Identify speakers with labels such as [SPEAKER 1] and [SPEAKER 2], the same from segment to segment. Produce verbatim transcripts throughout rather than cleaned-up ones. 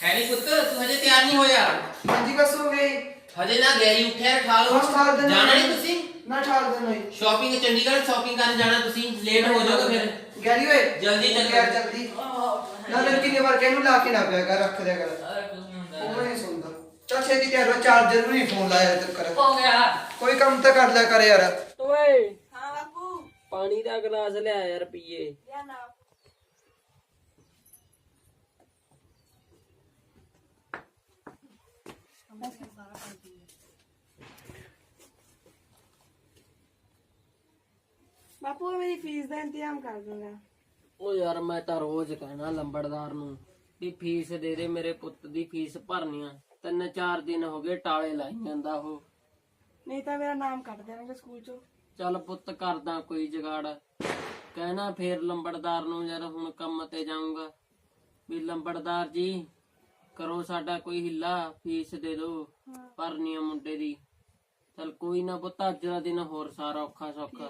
[SPEAKER 1] Harry ਪੁੱਤ ਤੂੰ ਹਜੇ ਤਿਆਰ ਨਹੀਂ ਹੋਇਆ?
[SPEAKER 2] ਹਾਂਜੀ ਬਸ ਹੋ ਗਈ।
[SPEAKER 1] ਹਜੇ ਨਾ ਗੈਰੀ ਉੱਠਿਆ ਠਾ ਲਓ।
[SPEAKER 2] ਬਸ ਠਾਲ ਦੇਣਾ।
[SPEAKER 1] ਜਾਣਾ ਨਹੀਂ ਤੁਸੀਂ?
[SPEAKER 2] ਨਾ ਠਾਲ ਦੇਣਾ ਹੀ।
[SPEAKER 1] ਸ਼ਾਪਿੰਗ ਚੰਡੀਗੜ੍ਹ ਸ਼ਾਪਿੰਗ ਕਰਨ ਜਾਣਾ ਤੁਸੀਂ, ਲੇਟ ਹੋ ਜਾਓਗੇ ਫਿਰ।
[SPEAKER 2] ਗੈਰੀ ਓਏ
[SPEAKER 1] ਜਲਦੀ ਚੱਲ
[SPEAKER 2] ਯਾਰ ਜਲਦੀ। ਨਾ ਨਾ ਕਿੰਨੀ ਵਾਰ ਕਹਿਨੂੰ ਲਾ ਕੇ ਨਾ ਪਿਆ ਕਰ, ਰੱਖ ਦਿਆ ਕਰ। ਉਹ ਨਹੀਂ ਸੁਣਦਾ। ਚੱਲ ਛੇਤੀ ਤਿਆਰ ਹੋ, ਚਾਰਜਰ ਵੀ ਨਹੀਂ ਫੋਨ ਲਾਇਆ ਤੱਕ ਕਰ।
[SPEAKER 3] ਹੋ ਗਿਆ।
[SPEAKER 2] ਕੋਈ ਕੰਮ ਤਾਂ ਕਰ ਲਿਆ ਕਰ ਯਾਰ।
[SPEAKER 3] ਓਏ
[SPEAKER 4] ਹਾਂ ਬਾਪੂ
[SPEAKER 3] ਪਾਣੀ ਦਾ ਗਲਾਸ ਲਿਆ ਯਾਰ ਪੀਏ।
[SPEAKER 4] ਲਿਆ ਨਾ। ਬਾਪੂ ਮੇਰੀ ਫੀਸ ਦਾ ਇੰਤਜ਼ਾਮ ਕਰ ਦੂੰਗਾ।
[SPEAKER 3] ਓ ਯਾਰ ਮੈਂ ਤਾਂ ਰੋਜ਼ ਕਹਿਣਾ ਲੰਬੜਦਾਰ ਨੂੰ ਵੀ ਫੀਸ ਦੇ ਦੇ, ਮੇਰੇ ਪੁੱਤ ਦੀ ਫੀਸ ਭਰਨੀ ਆ। ਤਿੰਨ ਚਾਰ ਦਿਨ ਹੋ ਗਏ ਟਾਲੇ ਲਾਈ ਜਾਂਦਾ ਉਹ।
[SPEAKER 4] ਨਹੀਂ ਤਾਂ ਮੇਰਾ ਨਾਮ ਕੱਟ ਦੇਣਗੇ ਸਕੂਲ ਚੋਂ।
[SPEAKER 3] ਚੱਲ ਪੁੱਤ ਕਰਦਾ ਕੋਈ ਜਗਾੜ। ਕਹਿਣਾ ਫੇਰ ਲੰਬੜਦਾਰ ਨੂੰ ਯਾਰ ਹੁਣ ਕੰਮ ਤੇ ਜਾਊਂਗਾ ਵੀ ਲੰਬੜਦਾਰ ਜੀ ਕਰੋ ਸਾਡਾ ਕੋਈ ਹਿੱਲਾ, ਫੀਸ ਦੇ ਦਿਓ ਭਰਨੀ ਆ ਮੁੰਡੇ ਦੀ। ਚੱਲ ਕੋਈ ਨਾ ਪੁੱਤ, ਅੱਜ ਦਾ ਦਿਨ ਹੋਰ ਸਾਰਾ ਔਖਾ ਸੌਖਾ।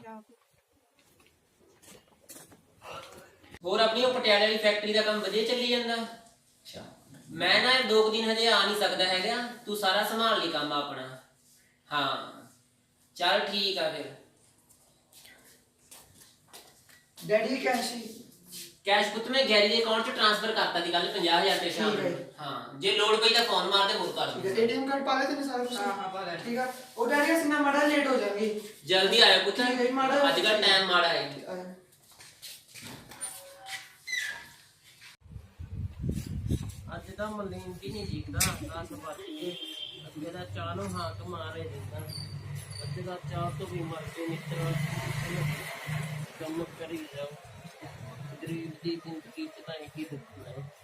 [SPEAKER 1] ਹੋਰ ਆਪਣੀ ਉਹ ਪਟਿਆਲੇ ਵਾਲੀ ਫੈਕਟਰੀ ਦਾ ਕੰਮ ਵਧੀਆ ਚੱਲੀ ਜਾਂਦਾ? ਅੱਛਾ ਮੈਂ ਨਾ ਦੋ ਕੁ ਦਿਨ ਹਜੇ ਆ ਨਹੀਂ ਸਕਦਾ ਹੈਗਾ, ਤੂੰ ਸਾਰਾ ਸੰਭਾਲ ਲਈ ਕੰਮ ਆਪਣਾ। ਹਾਂ ਚੱਲ ਠੀਕ ਆ ਫਿਰ।
[SPEAKER 2] ਡੈਡੀ ਕੈਸ਼ੀ
[SPEAKER 1] ਕੈਸ਼ ਪੁੱਤ ਮੈਂ ਗੈਰੀ ਦੇ ਅਕਾਊਂਟ 'ਚ ਟ੍ਰਾਂਸਫਰ ਕਰਤਾ ਦੀ ਕੱਲ ਪੰਜਾਹ ਹਜ਼ਾਰ ਰੁਪਏ ਸ਼ਾਮ
[SPEAKER 2] ਠੀਕ ਹੈ।
[SPEAKER 1] ਨੂੰ। ਹਾਂ ਜੇ ਲੋੜ ਪਈ ਤਾਂ ਫੋਨ ਮਾਰ ਦੇ, ਹੋਰ ਕਰ
[SPEAKER 2] ਠੀਕ ਹੈ।
[SPEAKER 1] ਦੂੰ।
[SPEAKER 2] ਏਟੀਐਮ ਕਾਰਡ ਪਾ ਲੈ ਤੈਨੂੰ ਸਾਰਾ ਕੁਝ?
[SPEAKER 4] ਹਾਂ ਹਾਂ ਪਾ ਲੈ।
[SPEAKER 2] ਠੀਕ ਆ। ਉਹ ਡੈਡੀ ਅਸੀਂ ਨਾ ਮਾੜਾ ਲੇਟ ਹੋ ਜਾਵਾਂਗੇ।
[SPEAKER 1] ਜਲਦੀ ਆਇਆ ਪੁੱਤ,
[SPEAKER 2] ਠੀਕ ਹੈ, ਮਾੜਾ-
[SPEAKER 1] ਅੱਜ ਕੱਲ ਟਾਈਮ ਮਾੜਾ ਹੈ।
[SPEAKER 3] ਅੱਜ ਤਾਂ ਮਲੀਨ ਵੀ ਨਹੀਂ ਜੀਂਦਾ, ਦਸ ਵੱਜ ਗਏ। ਅੱਗੇ ਦਾ ਚਾਹ ਨੂੰ ਹਾਕ ਮਾਰੇ ਦਿੰਦਾ, ਅੱਜ ਦਾ ਚਾਹ ਤੋਂ ਵੀ ਮਰ ਕੇ ਨਿਕਲ ਕੰਮ ਕਰੀ ਜਾਓ। ਗਰੀਬ ਦੀ ਜ਼ਿੰਦਗੀ ਚ ਤਾਂ ਇਹੀ ਦੁੱਖ ਹੈ।